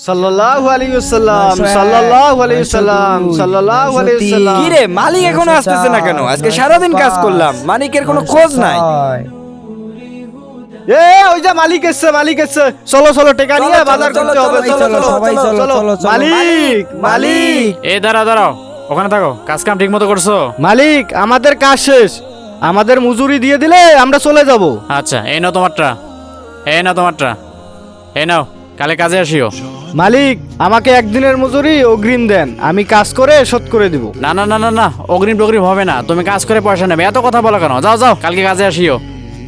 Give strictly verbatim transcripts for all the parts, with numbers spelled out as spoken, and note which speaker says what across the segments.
Speaker 1: সাল্লাল্লাহু আলাইহি ওয়াসাল্লাম সাল্লাল্লাহু আলাইহি ওয়াসাল্লাম সাল্লাল্লাহু আলাইহি ওয়াসাল্লাম।
Speaker 2: কি রে মালিক এখনো আসতেছে না কেন? আজকে সারাদিন কাজ করলাম, মালিকের কোনো খোঁজ নাই।
Speaker 1: এ ওই যে মালিক এসছে, মালিক এসছে, চলো চলো টাকা নিয়ে
Speaker 2: চলো,
Speaker 1: বাজার
Speaker 2: চলো,
Speaker 1: করতে হবে।
Speaker 2: চলো,
Speaker 1: চলো চলো
Speaker 2: সবাই চলো,
Speaker 1: চলো
Speaker 2: চলো, চলো।
Speaker 1: মালিক মালিক
Speaker 3: এ দাঁড়াও দাঁড়াও, ওখানে থাকো, কাজ কাম ঠিক মতো করছো?
Speaker 1: মালিক আমাদের কাজ শেষ, আমাদের মজুরি দিয়ে দিলে আমরা চলে যাব।
Speaker 3: আচ্ছা এই নাও তোমারটা, এই নাও তোমারটা, এই নাও, কালে কাজে আসিও।
Speaker 1: মালিক আমাকে একদিনের মজুরি অগ্রিম দেন, আমি কাজ করে শোধ করে দিব।
Speaker 3: না না না না না, অগ্রিম টগ্রিম হবে না, তুমি কাজ করে পয়সা নেবে, এত কথা বলো কেন? যাও যাও, কালকে কাজে আসিও।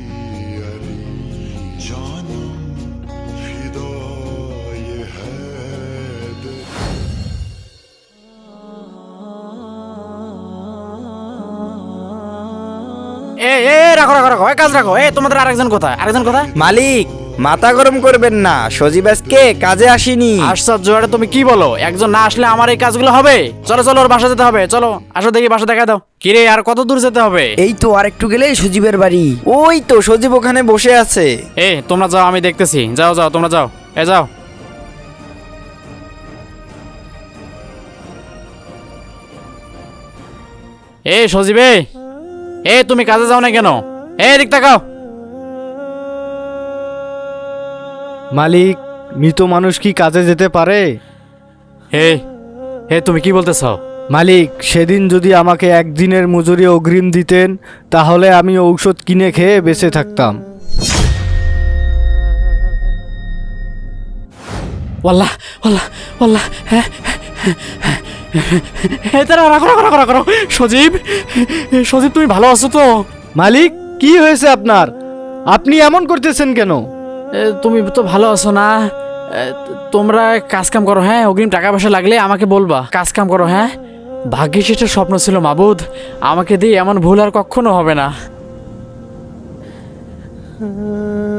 Speaker 3: এ এ রাখো রাখো রাখো, এই কাজ রাখো। এ তোমাদের আরেকজন কোথায়? আরেকজন কোথায়?
Speaker 2: মালিক মাথা গরম করবেন না, সজীব আজকে কাজে আসেনি।
Speaker 3: আশ্চর্য, এটা তুমি কি বলো? একজন না আসলে আমার এই কাজগুলো হবে? চলো চলো, ওর বাসা যেতে হবে, চলো আসো দেখি, বাসা দেখা দাও। কিরে আর কত দূর যেতে হবে?
Speaker 2: এই তো আরেকটু গেলেই সজীবের বাড়ি। ওই তো সজীব ওখানে বসে আছে।
Speaker 3: এ তোমরা যাও, আমি দেখতেছি। যাও যাও, তোমরা যাও, এ যাও। এ সজীবে, এ তুমি কাজে যাও না কেন? এ দিক তাকাও।
Speaker 1: মালিক মৃত মানুষ কি কাজে যেতে পারে?
Speaker 3: হে হে, তুমি কি বলতেছ?
Speaker 1: মালিক সেদিন যদি আমাকে একদিনের মজুরি অগ্রিম দিতেন তাহলে আমি ঔষধ কিনে খেয়ে বেঁচে থাকতাম।
Speaker 3: ওয়াল্লাহ ওয়াল্লাহ ওয়াল্লাহ, হ্যাঁ হ্যাঁ, দাঁড়াও, রাখো রাখো রাখো রাখো রাখো। সজীব, সজীব তুমি ভালো আছো তো?
Speaker 1: মালিক কি হয়েছে আপনার? আপনি এমন করতেছেন কেন?
Speaker 3: এ, তুমি তো ভালো আছো না? এ, তোমরা কাজ কাম করো, হ্যাঁ? অগ্রিম টাকা পয়সা লাগলে আমাকে বলবা, কাজ কাম করো, হ্যাঁ? ভাগ্যে সেটা স্বপ্ন ছিল মাবুদ, আমাকে দিয়ে এমন ভুল আর কখনো হবে না।